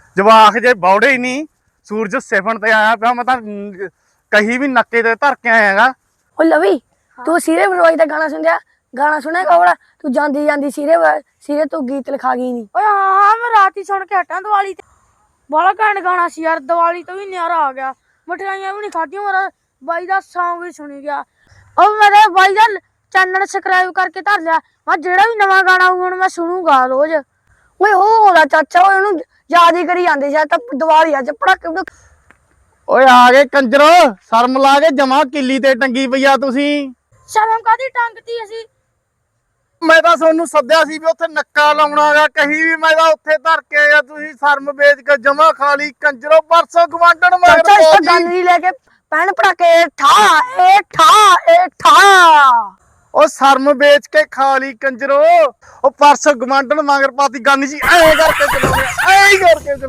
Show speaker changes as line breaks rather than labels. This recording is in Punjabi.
ਜਵਾਕ ਜੇ ਬੌੜੇ ਹੀ ਨਹੀਂ। ਸੂਰਜ ਸਿਫਣ ਤੇ ਆਇਆ ਪਿਆ, ਮੈਂ ਤਾਂ ਕਹੀ ਵੀ ਨੱਕੇ ਤੇ ਧਰ ਕੇ ਆਇਆਗਾ।
ਉਹ ਲਵੀ ਤੂੰ ਸੀਰੇ ਬਰਵਾਈ ਦਾ ਗਾਣਾ ਸੁਣਿਆ? ਗਾਣਾ ਸੁਣੇਗਾ ਉਹਦਾ? ਤੂੰ ਜਾਂਦੀ ਜਾਂਦੀ ਸੀਰੇ ਤੂੰ ਗੀਤ ਲਿਖਾ ਗਈ ਨਹੀਂ।
ਓਏ ਹਾਂ ਮੈਂ ਰਾਤ ਹੀ ਸੁਣ ਕੇ ਹਟਾਂ ਦੀਵਾਲੀ ਤੇ। ਬੜਾ ਘੈਂਟ ਗਾਣਾ ਸੀ ਯਾਰ, ਦੀਵਾਲੀ ਤੋਂ ਵੀ ਨਿਆਰਾ ਆ ਗਿਆ। ਮਠਿਆਈਆਂ ਵੀ ਨਹੀਂ ਖਾਧੀਆਂ, ਮੇਰਾ ਬਾਈ ਦਾ ਸੌਂਗ ਵੀ ਸੁਣੀ ਗਿਆ। ਉਹ ਮੇਰੇ ਬਾਈ ਦਾ ਚੈਨਲ ਸਬਸਕ੍ਰਾਈਬ ਕਰਕੇ ਧਰ ਲਿਆ। ਮੈਂ ਜਿਹੜਾ ਵੀ ਨਵਾਂ ਗਾਣਾ ਆਊਗਾ ਹੁਣ ਮੈਂ ਸੁਣੂਗਾ ਰੋਜ਼।
ਓਏ ਉਹਦਾ ਚਾਚਾ ਉਹਨੂੰ ਯਾਦ ਹੀ ਕਰੀ ਜਾਂਦੇ ਸ਼ਾਇਦ ਤਾਂ ਦੀਵਾਲੀ ਅੱਜ ਪੜਾਕੇ।
ਓਏ ਆ ਗਏ ਕੰਜਰੋ, ਸ਼ਰਮ ਲਾ ਕੇ ਜਮਾ ਕਿੱਲੀ ਤੇ ਟੰਗੀ ਪਈ ਆ ਤੁਸੀਂ।
ਸ਼ਰਮ ਕਾਦੀ ਟੰਗਤੀ ਅਸੀਂ?
ਮੈਂ ਤਾਂ ਤੁਹਾਨੂੰ ਸੱਦਿਆ ਸੀ ਵੀ ਉੱਥੇ ਨੱਕਾ ਲਾਉਣਾਗਾ, ਕਹੀ ਵੀ ਮੈਂ ਤਾਂ ਉੱਥੇ ਧਰ ਕੇ ਆਇਆ, ਤੁਸੀਂ ਸ਼ਰਮ ਵੇਚ ਕੇ ਜਮਾ ਖਾ ਲਈ ਕੰਜਰੋ। ਪਰਸੋਂ ਗਵਾਂਢਣ
ਚਾਚਾ ਇਸ ਤੋਂ ਗੱਲ ਨਹੀਂ ਲੈ ਕੇ ਪੈਣ ਪੜਾਕੇ ਠਾ
ਉਹ ਸ਼ਰਮ ਵੇਚ ਕੇ ਖਾ ਲਈ ਕੰਜਰੋ। ਉਹ ਪਰਸੋਂ ਗਵਾਂਢਣ ਮਗਰ ਪਾਤੀ ਗੰਨ ਜੀ ਐ ਕਰਕੇ ਚਲਾਉਂਦੇ, ਐ ਕਰਕੇ